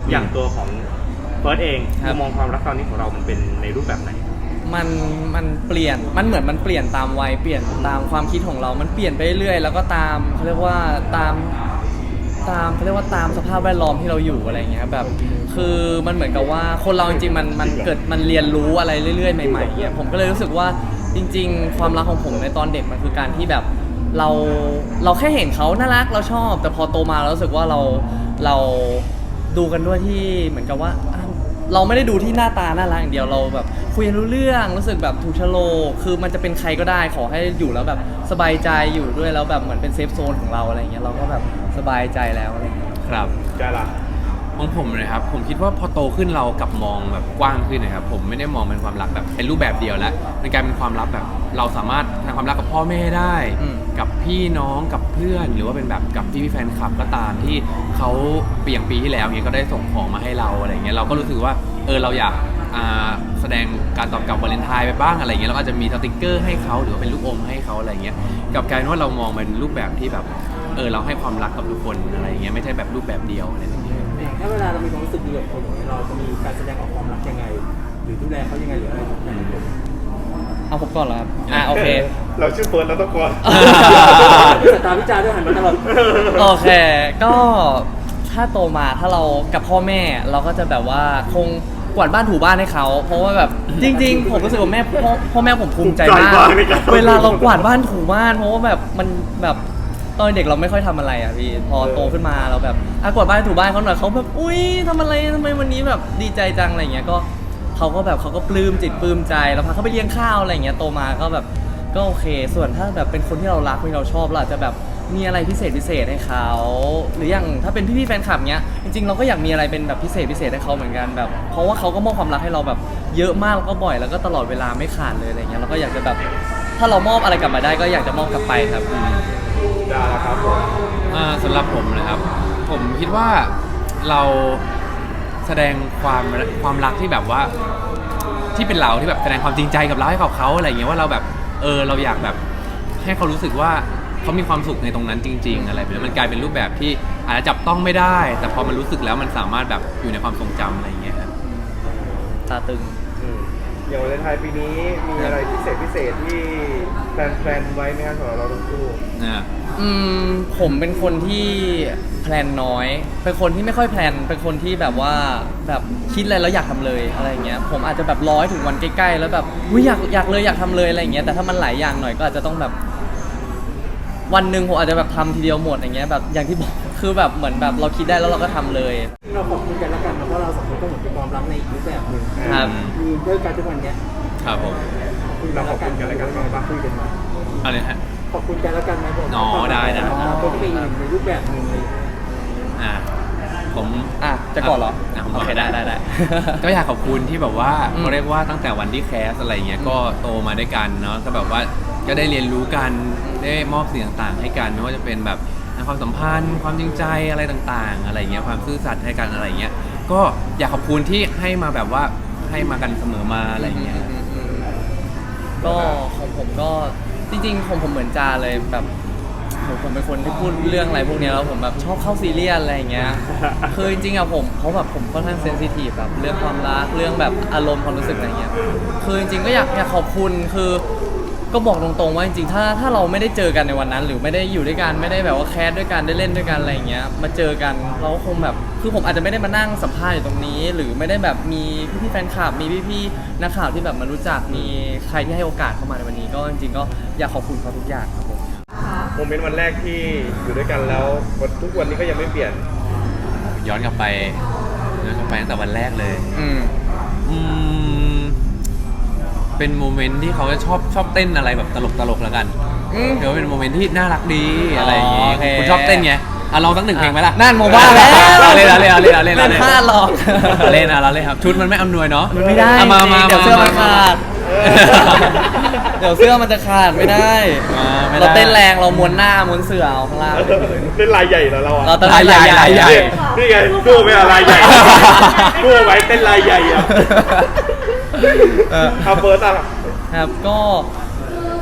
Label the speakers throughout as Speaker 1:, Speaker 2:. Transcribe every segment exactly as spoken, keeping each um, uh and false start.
Speaker 1: อย่างตัวของเฟิร์สเองมองความรักตอนนี้ของเรามันเป็นในรูปแบบไหน
Speaker 2: มันมันเปลี่ยนมันเหมือนมันเปลี่ยนตามวัยเปลี่ยนตามความคิดของเรามันเปลี่ยนไปเรื่อยแล้วก็ตามเขาเรียกว่าตามตามเขาเรียกว่าตามสภาพแวดล้อมที่เราอยู่อะไรเงี้ยแบบคือมันเหมือนกับว่าคนเราจริงๆมันมันเกิดมันเรียนรู้อะไรเรื่อยๆใหม่ๆเงี้ยผมก็เลยรู้สึกว่าจริงๆความรักของผมในตอนเด็กมันคือการที่แบบเราเราแค่เห็นเขาน่ารักเราชอบแต่พอโตมาเรารู้สึกว่าเราเราดูกันด้วยที่เหมือนกับว่าเราไม่ได้ดูที่หน้าตาน่ารักอย่างเดียวเราแบบคุยรู้เรื่องรู้สึกแบบถูกชะโลคือมันจะเป็นใครก็ได้ขอให้อยู่แล้วแบบสบายใจอยู่ด้วยแล้วแบบเหมือนเป็นเซฟโซนของเราอะไรเงี้ยเราก็แบบสบายใจแล้วอะไรเงี้ย
Speaker 3: ครับ
Speaker 1: ได้ละ
Speaker 3: ของผมเลยครับผมคิดว่าพอโตขึ้นเรากลับมองแบบกว้างขึ้นนะครับผมไม่ได้มองเป็นความรักแบบเป็นรูปแบบเดียวแล้วมันกลายเป็นความรักแบบเราสามารถทำความรักกับพ่อแม่ได้กับพี่น้องกับเพื่อนหรือว่าเป็นแบบกับพี่พี่แฟนคลับก็ตามที่เขาปีอย่างปีที่แล้วเงี้ยก็ได้ส่งของมาให้เราอะไรเงี้ยเราก็รู้สึกว่าเออเราอยากแสดงการตอบกลับวาเลนไทน์ไปบ้างอะไรเงี้ยเราก็จะมีสติกเกอร์ให้เขาหรือว่าเป็นลูกอมให้เขาอะไรเงี้ยกับกลายเป็นว่าเรามองเป็นรูปแบบที่แบบเออเราให้ความรักกับทุกคนอะไรเงี้ยไม่ใช่แบบรูปแบบเดียวอะไรอย่างเงี้ย
Speaker 4: ถ้าเวลาเรามีความรู้สึกดีกับคนเราจะมีการแสดงออกความรักยังไงหรือดูแลเขายังไงหรืออะไรอย่างเงี้ย
Speaker 2: เอาผมก่อนเหรอครับอ่าโอเค
Speaker 1: เราชื่อเฟิร์นเราต้องก่อน
Speaker 4: สตาร์วิจารณ์ด้วยหันมาตลอด
Speaker 2: โอเคก็ถ้าโตมาถ้าเรากับพ่อแม่เราก็จะแบบว่าคงกวาดบ้านถูบ้านให้เขาเพราะว่าแบบจริงๆผมรู้สึกว่าแม่พ่อพ่อแม่ผมภูมิใจมากเวลาเรากวาดบ้านถูบ้านเพราะว่าแบบมันแบบตอนเด็กเราไม่ค่อยทำอะไรอ่ะพี่พอโตขึ้นมาเราแบบอ่ะกวาดบ้านถูบ้านเขาหน่อยเขาแบบอุ้ยทำอะไรทำไมวันนี้แบบดีใจจังอะไรเงี้ยก็เขาก็แบบเขาก็ปลื้มจิตปลื้มใจแล้วพาเขาไปเลี้ยงข้าวอะไรเงี้ยโตมาก็แบบก็โอเคส่วนถ้าแบบเป็นคนที่เรารักที่เราชอบเราอาจจะแบบมีอะไรพิเศษพิเศษให้เขาหรืออย่างถ้าเป็นพี่ๆแฟนคลับเนี้ยจริงๆเราก็อยากมีอะไรเป็นแบบพิเศษพิเศษให้เขาเหมือนกันแบบเพราะว่าเขาก็มอบความรักให้เราแบบเยอะมากแล้วก็บ่อยแล้วก็ตลอดเวลาไม่ขาดเลยอะไรเงี้ยเราก็อยากจะแบบถ้าเรามอบอะไรกลับมาได้ก็อยากจะมอบกลับไปครับ
Speaker 1: ได้ครับผม
Speaker 3: สำหรับผมนะครับผมคิดว่าเราแสดงความความรักที่แบบว่าที่เป็นเราที่แบบแสดงความจริงใจกับเราให้กับเขาอะไรเงี้ยว่าเราแบบเออเราอยากแบบให้เขารู้สึกว่าเขามีความสุขในตรงนั้นจริงๆอะไรแบบนี้มันกลายเป็นรูปแบบที่อาจจะจับต้องไม่ได้แต่พอมันรู้สึกแล้วมันสามารถแบบอยู่ในความทรงจำอะไรอย่างเงี้ยครับ
Speaker 2: ตาตึง
Speaker 1: อย่างวาเลนไทน์ปีนี้มีอะไรพิเศษพิเศษที่แพลนๆไว้ไหมครับสำหรับเราทั้งคู่
Speaker 3: นะ
Speaker 2: อืมผมเป็นคนที่แพลนน้อยเป็นคนที่ไม่ค่อยแพลนเป็นคนที่แบบว่าแบบคิดอะไรแล้วอยากทำเลยอะไรเงี้ยผมอาจจะแบบร้อยถึงวันใกล้ๆแล้วแบบอุ้ยอยากอยากเลยอยากทำเลยอะไรเงี้ยแต่ถ้ามันหลายอย่างหน่อยก็อาจจะต้องแบบวันหนึ่งผมอาจจะแบบทำทีเดียวหมดอย่างเงี้ยแบบอย่างที่บอกคือแบบเหมือนแบบเราคิดได้แล้วเราก็ทำเลย
Speaker 4: เราขอบคุณกันแล้วกันเพราะเราสองคนก็เหมือนเป็นความรักในอีกรูปแบบหนึ่ง
Speaker 2: ครับ
Speaker 4: มีด้วยกันทุกวันเนี้ย
Speaker 3: ครับผม
Speaker 1: เราขอบคุณกันแล้วกันบ้าง
Speaker 4: คุยกันมา
Speaker 3: อะไรฮะ
Speaker 4: ขอบคุณกันแล้วกันไหมผม
Speaker 3: อ๋อได้ได้
Speaker 4: ก็เป็นในรูปแบบหนึ่งเลย
Speaker 3: อ่าผม
Speaker 2: อ่ะจะก่อนเหรอ
Speaker 3: โอเคได้ได้ได้ก็อยากขอบคุณที่แบบว่าเขาเรียกว่าตั้งแต่วันที่แคสอะไรเงี้ยก็โตมาด้วยกันเนาะก็แบบว่าก็ได้เรียนรู้กันได้มอบสิ่งต่างๆให้กันไม่ว่าจะเป็นแบบความสัมพันธ์ความจริงใจอะไรต่างๆอะไรเงี้ยความซื่อสัตย์ให้กันอะไรเงี้ยก็อยากขอบคุณที่ให้มาแบบว่าให้มากันเสมอมาอะไรเงี้ย
Speaker 2: ก็ของผมก็จริงๆของผมเหมือนจาเลยแบบผมเป็นคนที่พูดเรื่องอะไรพวกนี้แล้วผมแบบชอบเข้าซีเรียสอะไรอย่างเงี้ยคือจริงๆอะผมเพราะแบบผมค่อนข้างเซนซิทีฟแบบเรื่องความรักเรื่องแบบอารมณ์ความรู้สึกอะไรเงี้ยคือจริงๆก็อยากอยากขอบคุณคือก็บอกตรงๆว่าจริงๆถ้าถ้าเราไม่ได้เจอกันในวันนั้นหรือไม่ได้อยู่ด้วยกันไม่ได้แบบว่าแคสด้วยกันได้เล่นด้วยกันอะไรอย่างเงี้ยมาเจอกันเราก็คงแบบคือผมอาจจะไม่ได้มานั่งสัมภาษณ์อยู่ตรงนี้หรือไม่ได้แบบมีพี่ๆแฟนคลับมีพี่ๆนักข่าวที่แบบมารู้จักมีใครที่ให้โอกาสเข้ามาในวันนี้ก็จริงๆก็อยากขอบคุณเขาทุกอย่างครับผม
Speaker 1: โมเมนต์วันแรกที่อยู่ด้วยกันแล้วทุกวันนี้ก็ยังไม่เปลี่ยน
Speaker 3: ย้อนกลับไปย้อนกลับไปตั้งแต่วันแรกเลย
Speaker 2: อืม
Speaker 3: อืมเป็นโมเมนต์ที่เขาจะชอบชอบเต้นอะไรแบบตลกตลกแล้วกันเดี๋ยวเป็นโมเมนต์ที่น่ารักดีอะไรอย่างงี้คุณชอบเต้นไงอ่ะลองสักหนึ่งเพลงไหมล่ะ
Speaker 2: นั่นโมบ้าแล้ว
Speaker 3: เล่นเล่นเล่นเล่นเล่น
Speaker 2: เล่นพลาดหรอก
Speaker 3: เล่นอ่ะเราเล่นครับชุดมันไม่อำนวยเนาะ
Speaker 2: ไม่ได้
Speaker 3: มามา
Speaker 2: เดี๋ยวเสื้อมันขาดเดี๋ยวเสื้อมันจะขาดไม่ได้เราเต้นแรงเราม้วนหน้าม้วนเสื้อเอาข้างล่าง
Speaker 1: เต้นลายใหญ่แล้วเราอ่ะ
Speaker 2: เราเต้นลายใหญ่ลายใหญ่
Speaker 1: นี่ไงสู้ไม่อะไรใหญ่สู้ไว้เต้นลายใหญ่อ่ะเอาเฟิร์สอ่ะ
Speaker 2: ครับก็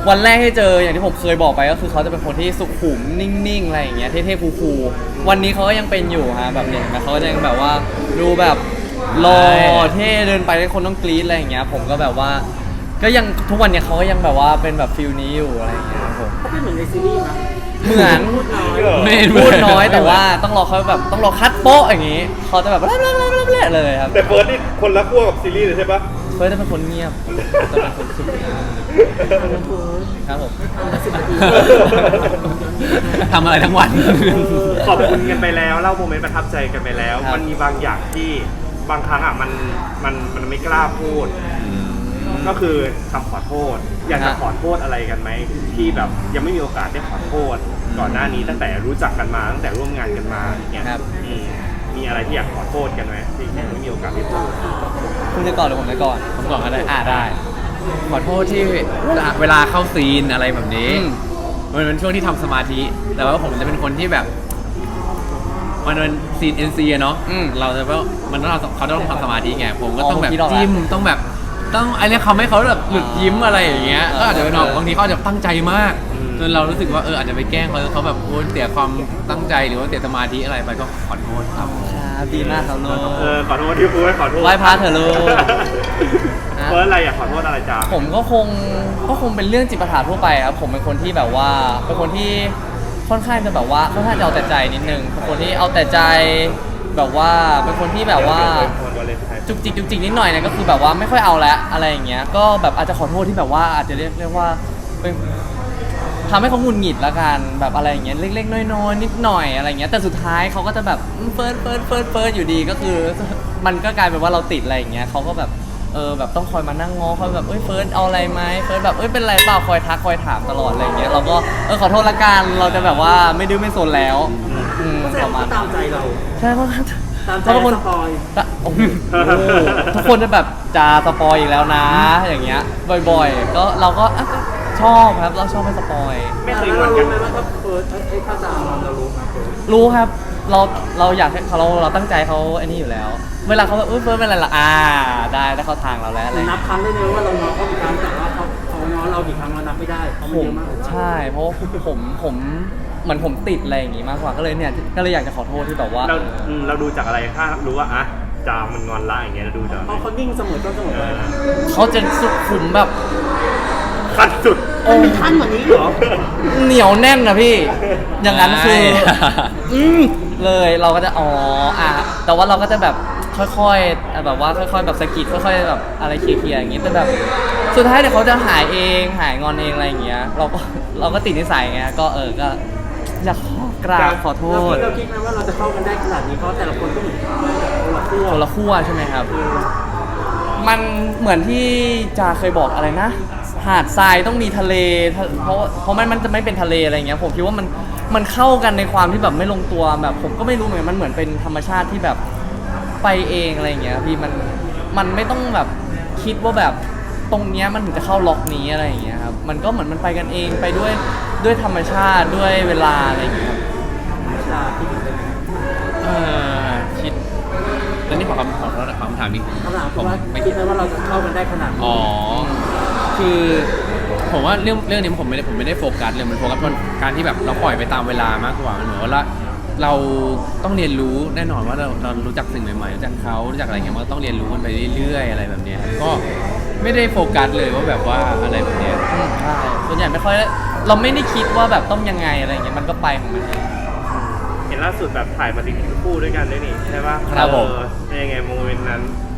Speaker 2: วันแรกที่เจออย่างที่ผมเคยบอกไปก็คือเขาจะเป็นคนที่สุขุมนิ่งๆอะไรอย่างเงี้ยเท่ๆคูลๆวันนี้เขาก็ยังเป็นอยู่ฮะแบบเนี้ยเขาก็ยังแบบว่าดูแบบหล่อเท่เดินไปให้คนต้องกรี๊ดอะไรอย่างเงี้ยผมก็แบบว่าก็ยังทุกวันเนี้ยเขาก็ยังแบบว่าเป็นแบบฟิลนี้อยู่อะไรอย่างเงี้ยครับผม
Speaker 4: เขาเป็นเหมือนในซีรีส์นะ
Speaker 2: เหมือน
Speaker 4: พูดน้อย
Speaker 3: ไม่
Speaker 2: พูดน้อยแต่ว่าต้องรอเขาแบบต้องรอคัดโป๊ะอย่างงี้เขาจะแบบเล่ๆๆๆเลยครับ
Speaker 1: แต่เฟิร์สนี่คนละขั้วกับซีรีส์เลยใช่ปะ
Speaker 2: เฟิร์สจะเป็นคนเงียบจะเป็นคนสุดครับผม
Speaker 4: สิบนาที
Speaker 3: ทำอะไรทั้งวัน
Speaker 1: ขอบคุณกันไปแล้วเล่าโมเมนต์ประทับใจกันไปแล้ว
Speaker 2: ครับ
Speaker 1: มันมีบางอย่างที่บางครั้งอ่ะมันมันมันไม่กล้าพูด ก็คือคำขอโทษ อยากจะขอโทษอะไรกันไหมที่แบบยังไม่มีโอกาสได้ขอโทษ ก่อนหน้านี้ตั้งแต่รู้จักกันมาตั้งแต่ร่วมงานกันมาอย่างเงี้ย
Speaker 2: ครับ
Speaker 1: อืมมีอะไรที่อยากขอโทษกันไหมที่ยังไม่มีโอกาสได้พูด
Speaker 2: คุณจะก่อนหรือผมจะก่อน
Speaker 3: ผมก่อนก็ได้
Speaker 2: อ่าได้
Speaker 3: ขอโทษที่เวลาเข้าซีนอะไรแบบนี้
Speaker 2: อืม
Speaker 3: มันเป็นช่วงที่ทำสมาธิ แต่ว่าผมจะเป็นคนที่แบบ มันเป็นซีน เอ็น ซี อะเนาะ
Speaker 2: อืม
Speaker 3: เราจะว่ามันต้องเราเขาต้องทำสมาธิไง ผมก็ต้องแบบ
Speaker 2: อ๋อผมคิดออกแล้ว
Speaker 3: จิ้มต้องแบบต้องอะไรเขาไม่เขาแบบหลุดยิ้มอะไรอย่างเงี้ย
Speaker 2: อ่า
Speaker 3: ก็อาจจะเป็น
Speaker 2: เออ
Speaker 3: บางทีเขาอาจจะตั้งใจมาก
Speaker 1: อืม
Speaker 3: จนเรารู้สึกว่าเอออาจจะไปแกล้งเขาเขาแบบโอ้ยเสียความตั้งใจหรือว่าเสียสมาธิอะไรไปก็ขอโทษครับ
Speaker 2: ครับดีมากครับโล
Speaker 1: เออขอโทษที่พูดให้ขอโทษ
Speaker 2: ไหว้พระเถอะลูก
Speaker 1: เฟิร์สอะไรอยากขอโทษอะไรจ้า
Speaker 2: ผมก็คงก็คงเป็นเรื่องจิตประทานทั่วไปครับผมเป็นคนที่แบบว่าเป็นคนที่ค่อนข้างจะแบบว่าค่อนข้างจะเอาแต่ใจนิดนึงเป็นคนที่เอาแต่ใจแบบว่าเป็นคนที่แบบว่า จุกจิกจุกจิกนิดหน่อยเนี่ยก็คือแบบว่าไม่ค่อยเอาแล้วอะไรอย่างเงี้ยก็แบบอาจจะขอโทษที่แบบว่าอาจจะเรียกเรียกว่าเป็นทำให้เขาหงุดหงิดละกันแบบอะไรอย่างเงี้ยเล็กๆน้อยๆนิดหน่อยอะไรอย่างเงี้ยแต่สุดท้ายเขาก็จะแบบอืมเฟิร์สเฟิร์สเฟิร์สเฟิร์สอยู่ดีก็คือ มันก็กลายเป็นว่าเราติดอะไรอย่างเงี้ยเขาก็แบบเออแบบต้องคอยมานั่งง้อคอยแบบเอ้ยเฟิร์สเอาอะไรไหมเฟิร์สแบบเอ้ยเป็นไรเปล่าคอยทักคอยถามตลอดอะไรอย่างเงี้ยเราก็เออขอโทษละกันเราจะแบบว่าไม่ดื้อไม่สนแล้วอืม
Speaker 4: ก็แสด
Speaker 2: ป
Speaker 4: ง
Speaker 2: ระมา
Speaker 4: ว่า
Speaker 2: ณ
Speaker 4: ตามใจเรา
Speaker 2: ใช่เพราะ
Speaker 4: ตามใจ
Speaker 2: เพราะคน
Speaker 4: สปอย
Speaker 2: ละโอ้โหทุกคนจะแบบจะสปอยอีกแล้วนะ อย่างเงี้ยบ่อยๆ ก็เราก็อ่ะชอบครับเราชอบให้สปอย
Speaker 1: ไม่เคย
Speaker 4: แล้ว
Speaker 1: งอน
Speaker 4: เรา
Speaker 1: กัน
Speaker 4: รู้ไหมว่าถ้าเฟิร์สไอ้ถ้าจะเอาเรารู้ไหมเฟิร์ส
Speaker 2: รู้ครับเราเราอยากให้เขาเราเราตั้งใจเขาไอ้นี่อยู่แล้ว เวลาเขาแบบอุ้ยเฟิร์สเป็นอะไรล่ะอ่าได้ได้เข้าทางเราแล้วอะไร
Speaker 4: นับครั้งได้ไหมว่าเราง้อเขากี่ครั้งแต่ว่าเขาเขาง้อเรากี่ครั้งเรานับไม่ได้เพราะมัน
Speaker 2: ผ
Speaker 4: เย
Speaker 2: ม
Speaker 4: อะมาก
Speaker 2: ใช่เพราะว่าผมผมเหมือนผมติดอะไรอย่างงี้มากกว่าก็เลยเนี่ยก็เลยอยากจะขอโทษที่แบบว่า
Speaker 1: เราอืมเราดูจากอะไรถ้ารู้ว่าอ่ะจามันงอนละอย่างเงี้ยเราดูจากอะ
Speaker 4: เพ
Speaker 1: ไร
Speaker 4: ราะเขานิ่งเสมอต้นเสมอ
Speaker 1: เอ
Speaker 4: ปลาย
Speaker 1: อ
Speaker 2: เขาจะสุขุมแบบ
Speaker 1: ขั้นสุด
Speaker 4: มันมีขั้นกว่านี้เหรอ
Speaker 2: เหนียวแน่นนะพี่ อย่างนั้นคือ
Speaker 3: ใช่
Speaker 2: อืมเลยเราก็จะอ๋ออ่ะแต่ว่าเราก็จะแบบค่อยๆแบบว่าค่อยๆแบบสะกิดค่อยๆแบบอะไรเคลียร์ๆอย่างงี้แต่แบบสุดท้ายเดี๋ยวเขาจะหายเองหายงอนเองอะไรอย่างเงี้ย เราก็เราก็ติดนิสัยไงก็เออก็อยากขอกราบขอโท
Speaker 4: เรา
Speaker 2: ษ
Speaker 4: คิดเราคิดไหมว่าเราจะเข้ากันได้ขนาดนี้เพราะแต่ละคนก็เหมือนคนละขั้ว
Speaker 2: คนละขั้วใช่ไหมครับ มันเหมือนที่จาเคยบอกอะไรนะ หาดทรายต้องมีทะเลทะเพราะเพราะมันมันจะไม่เป็นทะเลอะไรเงี้ยผมคิดว่ามันมันเข้ากันในความที่แบบไม่ลงตัวแบบ ผมก็ไม่รู้เหมือนกันมันเหมือนเป็นธรรมชาติที่แบบไปเองอะไรเงี้ยพี่มันมันไม่ต้องแบบคิดว่าแบบตรงเนี้ยมันถึงจะเข้าล็อกนี้อะไรอย่างเงี้ยครับมันก็เหมือนมันไปกันเองไปด้วยด้วยธรรมชาติด้วยเวลาอะไรอย่างเงี้ยครับ
Speaker 4: จะคิดถึงได้ไหม
Speaker 3: เออคิดแล้วนี่ขอคำขอคำถามนี้
Speaker 4: คำถาม
Speaker 3: ผ
Speaker 4: คือ
Speaker 3: ม
Speaker 4: ว่า
Speaker 3: ไม่
Speaker 4: คิดไหมว่าเราจะเข้ากันได้ขนาดนี้
Speaker 3: อ๋อ คือผมว่าเรื่องเรื่องนี้ผมไม่ได้ผมไม่ได้โฟกัสเลยมันโฟกัสว่าการที่แบบเราปล่อยไปตามเวลามากกว่ามันเหมือนว่าเราเราต้องเรียนรู้แน่นอนว่าเราเรารู้จักสิ่งใหม่ๆรู้จักเขารู้จักอะไรเงี้ยมันก็ต้องเรียนรู้กันไปเรื่อยๆอะไรแบบเนี้ยก็ไม่ได้โฟกัสเลยว่าแบบว่าอะไรแบบเนี้ย
Speaker 2: อืมใช่ส่วนใหญ่ไม่ค่อยเราไม่ได้คิดว่าแบบต้องยังไงอะไรอย่างเงี้ยมันก็ไปของมันเอง
Speaker 1: เห็นล่าสุดแบบถ่ายปฏิทินคู่ด้วยกันด้วยนี่ใช่ปะ
Speaker 2: ครับผม
Speaker 1: เออเป็นยังไงโมเมนต์นั้น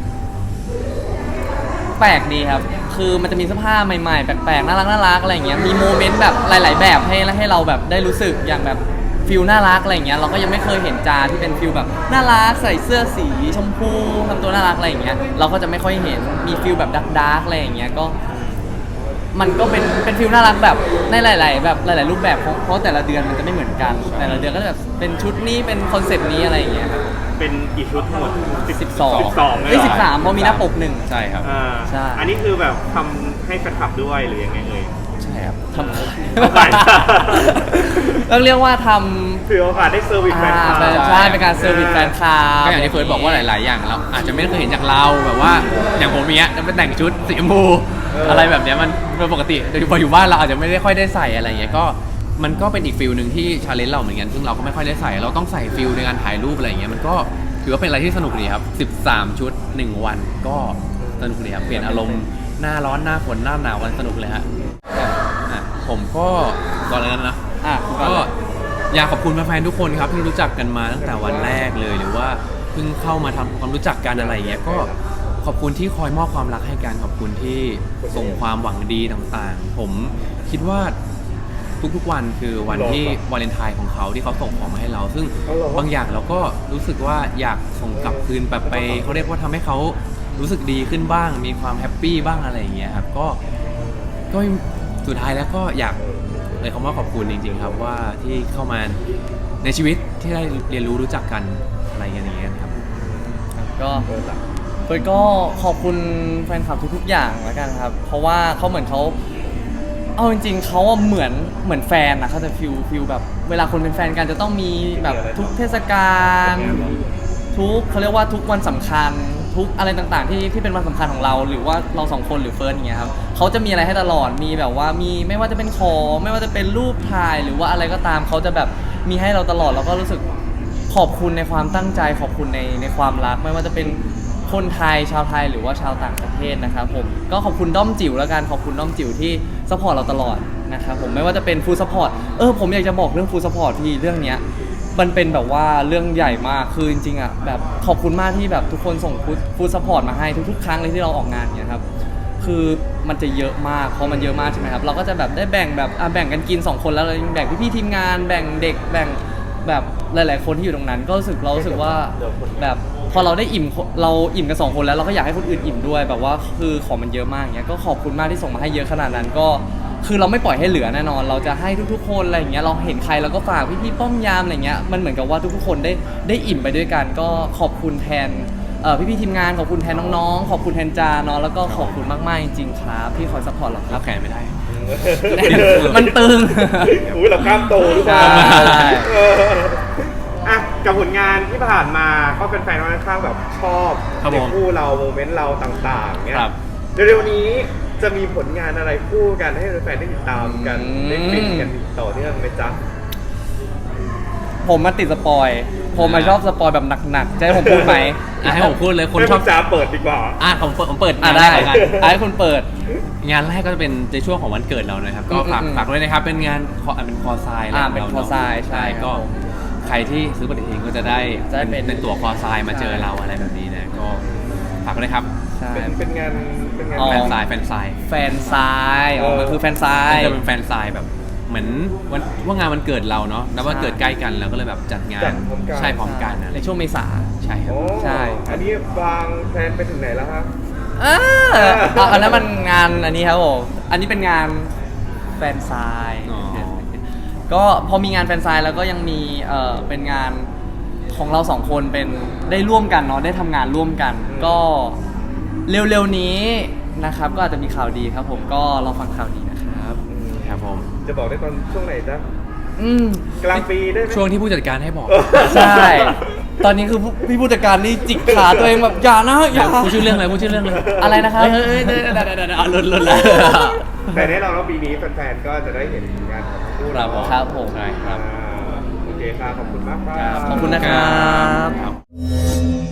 Speaker 2: แปลกดีครับ คือมันจะมีเสื้อผ้าใหม่ๆ แปลกๆ น่ารักน่ารักอะไรอย่างเงี้ย มีโมเมนต์แบบหลายๆ แบบให้ให้เราแบบได้รู้สึกอย่างแบบฟิลน่ารักอะไรอย่างเงี้ย เราก็ยังไม่เคยเห็นจาที่เป็นฟิลแบบน่ารักใส่เสื้อสีชมพูทำตัวน่ารักอะไรอย่างเงี้ย เราก็จะไม่ค่อยเห็น มีฟิลแบบดักดาร์กอะไรอย่างเงี้ย ก็ มันก็เป็นเป็นฟิลน่ารักแบบในหลาย ๆ แบบหลาย ๆ รูปแบบเพราะเพราะแต่ละเดือนมันจะไม่เหมือนกัน แต่ละเดือนก็จะแบบเป็นชุดนี้เป็นคอนเซปต์นี้อะไรอย่างเงี้ยครับ
Speaker 1: เป็นกี่ชุดทั้งหมด
Speaker 2: สิบสอง
Speaker 1: สิบสองเลย
Speaker 2: เอ้ย
Speaker 1: เหรอ
Speaker 2: สิบสามเพราะมีหน้าปกหนึ่ง
Speaker 3: ใช่ครับ
Speaker 1: อ่า
Speaker 2: ใช่
Speaker 1: อันนี้คือแบบทำให้แฟนคลับด้วยหรือยังไงเอ่ย
Speaker 3: ใช่ครับ
Speaker 2: ทำขาย
Speaker 1: ทำขาย
Speaker 2: ต้องเรียกว่าทำ
Speaker 1: ถือโอกาสได้เซอร์วิสแฟนคลับ
Speaker 2: อ่าใช่เป็นการเซอร์วิสแฟนคลับ
Speaker 3: ก็อย่างที่เฟิร์สบอกว่าหลาย ๆ อย่างเราอาจจะไม่เคยเห็นจากเราแบบว่าอย่างผมเนี้ยจะเป็นแต่งชุดสีชมพูอะไรแบบเนี้ยมันเป็นปกติโดยเฉพาะอยู่บ้านเราอาจจะไม่ได้ค่อยได้ใส่อะไรอย่างเงี้ยก็มันก็เป็นอีกฟิลหนึ่งที่ชาเลนจ์เราเหมือนกันซึ่งเราก็ไม่ค่อยได้ใส่เราต้องใส่ฟิลในการถ่ายรูปอะไรอย่างเงี้ยมันก็ถือว่าเป็นอะไรที่สนุกดีครับสิบสามชุดหนึ่งวันก็สนุกดีครับเปลี่ยนอารมณ์หน้าร้อนหน้าฝนหน้าหนาวกันสนุกเลยฮะอ่ะผมก็ก่อนเลยนะ
Speaker 2: อ่ะ
Speaker 3: ก็อยากขอบคุณแฟนๆทุกคนครับที่รู้จักกันมาตั้งแต่วันแรกเลยหรือว่าเพิ่งเข้ามาทำความรู้จักกันอะไรอย่างเงี้ยก็ขอบคุณที่คอยมอบความรักให้กันขอบคุณที่ส่งความหวังดีต่างๆ ผมคิดว่าทุกๆวันคือวันที่วาเลนไทน์ของเขาที่เขาส่งของมาให้เรา ซึ่งบางอย่างเราก็รู้สึกว่าอยากส่งกลับคืนแบบไปเขาเรียกว่าทำให้เขารู้สึกดีขึ้นบ้าง มีความแฮปปี้บ้างอะไรอย่างเงี้ยครับก็ก็สุดท้ายแล้วก็อยากเลยคำว่าขอบคุณจริงๆครับว่าที่เข้ามาในชีวิตที่ได้เรียนรู้รู้จักกันอะไรอย่างเงี้ยครับ
Speaker 2: ก็เฟิร์สก็ขอบคุณแฟนคลับทุกๆอย่างแล้วกันครับ เพราะว่าเขาเหมือนเขาเอาจริงๆเขาอะเหมือนเหมือนแฟนนะเขาจะฟิลฟิลแบบเวลาคนเป็นแฟนกันจะต้องมีแบบทุกเทศกาลทุกเขาเรียกว่าทุกวันสำคัญ ทุกอะไรต่างๆที่ที่เป็นวันสำคัญของเรา หรือว่าเราสองคนหรือเฟิร์สอย่างเงี้ยครับเขาจะมีอะไรให้ตลอดมีแบบว่ามีไม่ว่าจะเป็นของไม่ว่าจะเป็นรูปถ่ายหรือว่าอะไรก็ตามเขาจะแบบมีให้เราตลอดแล้วก็รู้สึกขอบคุณในความตั้งใจขอบคุณในในความรักไม่ว่าจะเป็นคนไทยชาวไทยหรือว่าชาวต่างประเทศนะครับผมก็ขอบคุณด้อมจิ๋วแล้วกันขอบคุณด้อมจิ๋วที่ซัพพอร์ตเราตลอดนะครับผมไม่ว่าจะเป็นฟูลซัพพอร์ตเออผมอยากจะบอกเรื่องฟูลซัพพอร์ตที่เรื่องเนี้ยมันเป็นแบบว่าเรื่องใหญ่มากคือจริงๆอ่ะแบบขอบคุณมากที่แบบทุกคนส่งฟูลซัพพอร์ตมาให้ทุกๆครั้งเลยที่เราออกงานเนี่ยครับคือมันจะเยอะมากเพราะมันเยอะมากใช่ไหมครับเราก็จะแบบได้แบ่งแบบอ่ะแบ่งกันกินสองคนแล้วเรายังแบ่งพี่ๆทีมงานแบ่งเด็กแบ่งแบบหลายๆคนที่อยู่ตรงนั้นก็รู้สึกเรารู้สึกว่าแบบพอเราได้อิ่มเราอิ่มกันสองคนแล้วเราก็อยากให้คนอื่นอิ่มด้วยแบบว่าคือของมันเยอะมากอย่างเงี้ยก็ขอบคุณมากที่ส่งมาให้เยอะขนาดนั้นก็คือเราไม่ปล่อยให้เหลือแน่นอนเราจะให้ทุกๆคนอะไรอย่างเงี้ยเราเห็นใครเราก็ฝากพี่ๆป้อมยามอะไรเงี้ยมันเหมือนกับว่าทุกๆคนได้ได้อิ่มไปด้วยกันก็ขอบคุณแทนเอ่อพี่ๆทีมงานขอบคุณแทนน้องๆขอบคุณแทนจาเนาะแล้วก็ขอบคุณมากๆจริงๆครับที่คอยซัพพอร์ตเราค
Speaker 3: รั
Speaker 2: รั
Speaker 3: บบ แขนไม่ได้
Speaker 2: มันตึง
Speaker 1: อุ้ยเรากล้ามโตหรือเปล่า
Speaker 2: ใช่
Speaker 1: เอออ่ะกับผลงานที่ผ่านมาก็เป็นแฟนๆค่อนข้างแบบชอบ
Speaker 3: ครับ
Speaker 1: ใน
Speaker 3: ผม
Speaker 1: คู่เราโมเมนต์เราต่างๆเนี้ย
Speaker 3: ครับ
Speaker 1: เร็วๆนี้จะมีผลงานอะไรคู่กันให้แฟนๆได้ติดตามกัน
Speaker 2: อืม
Speaker 1: ได้ฟินกันต่อเนื่องไหมจ๊ะ
Speaker 2: ผมมาติดสปอยผมมาชอบสปอยแบบหนักๆจะให้ผมพูดไหม
Speaker 3: อ่ะให้ผมพูดเลยคน
Speaker 1: ให้
Speaker 3: ช
Speaker 1: คุ
Speaker 3: อบ
Speaker 1: ณจ๋าเปิดดีกว่า
Speaker 3: อ่ะผมเปิดผมเปิด
Speaker 2: อ่ะ
Speaker 3: งาน
Speaker 2: ได้
Speaker 3: แรกแล้วกัน
Speaker 2: อ่ะให้คุณเปิด
Speaker 3: งานแรกก็จะเป็นในช่วงของวันเกิดเรานะครับ ก็ฝาก
Speaker 2: อืมอืม
Speaker 3: ฝากด้วยนะครับ เป็นงานคออ่ะเป็นคอทราย
Speaker 2: อ่า
Speaker 3: ะ
Speaker 2: เป็น
Speaker 3: ขง
Speaker 2: คอ
Speaker 3: รา
Speaker 2: ทราย
Speaker 3: เนะ
Speaker 2: ใช่
Speaker 3: ก็
Speaker 2: ครับผม
Speaker 3: ใครที่ซื้อบัตรเองก็จะได้
Speaker 2: จะได้เป็น
Speaker 3: เป็นตั๋วคอทรายมาเจอ
Speaker 2: ใช่
Speaker 3: เราอะไรแบบนี้นะก็ฝากด้วยครับ
Speaker 2: ใช่
Speaker 1: เป็นเป็นงานเป็นงาน
Speaker 2: อ๋อ
Speaker 3: แฟนทรายแฟนทราย
Speaker 2: แฟนซ้ายอ๋อมันคือแฟนซ้าย
Speaker 3: ก็จะเป็นแฟนทรายแบบเหมือนวันว่างานวันเกิดเราเนาะแล้ววันเกิดใกล้กันเราก็เลยแบบจัดงานใช่พร้อมกันนะ
Speaker 2: ในช่วงเมษา
Speaker 3: ใช่ครับ
Speaker 1: โอ้
Speaker 2: ใช่
Speaker 1: อันนี้วางแผนไปถึงไหนแล้วฮะ
Speaker 2: อ่าเอาอันนั้นมันงานอันนี้ครับผมอันนี้เป็นงานแฟนไซน์
Speaker 3: อ๋อ
Speaker 2: ก็พอมีงานแฟนไซน์แล้วก็ยังมีเอ่อเป็นงานของเราสองคนเป็นได้ร่วมกันเนาะได้ทำงานร่วมกัน ก็เร็วๆนี้นะครับก็อาจจะมีข่าวดีครับผมก็รอฟังข่าวดีนะครับ
Speaker 3: ครับผม
Speaker 1: จะบอกได้ตอนช่วงไหนจ๊ะ
Speaker 2: อืม
Speaker 1: กลางปีได้ไหม
Speaker 3: ช่วงที่ผู้จัดการให้บอก
Speaker 2: ใช่ ตอนนี้คือพี่ผู้จัดการนี่จิกขาตัวเองแบบอย่านะอย่า
Speaker 3: พูดชื่อเรื่องอะไรพูดชื่อเรื่องเลย
Speaker 2: อะไรนะครับ
Speaker 3: เฮ้ยเฮ้ยเฮ้ยเดี๋ยวเดี๋ยวเดี๋ยวเดี๋ยวเอาลุนลุนแล้ว
Speaker 1: แต่แน่นอนว่าปีนี้แฟนๆ ก็จะได้เห็นงานของคู่เรา
Speaker 2: ครับผม
Speaker 3: ใช่ครับ
Speaker 1: อ่าโอเคค่ะ ขอบคุณมากครับ
Speaker 2: ขอบคุณนะครับ
Speaker 3: ครับ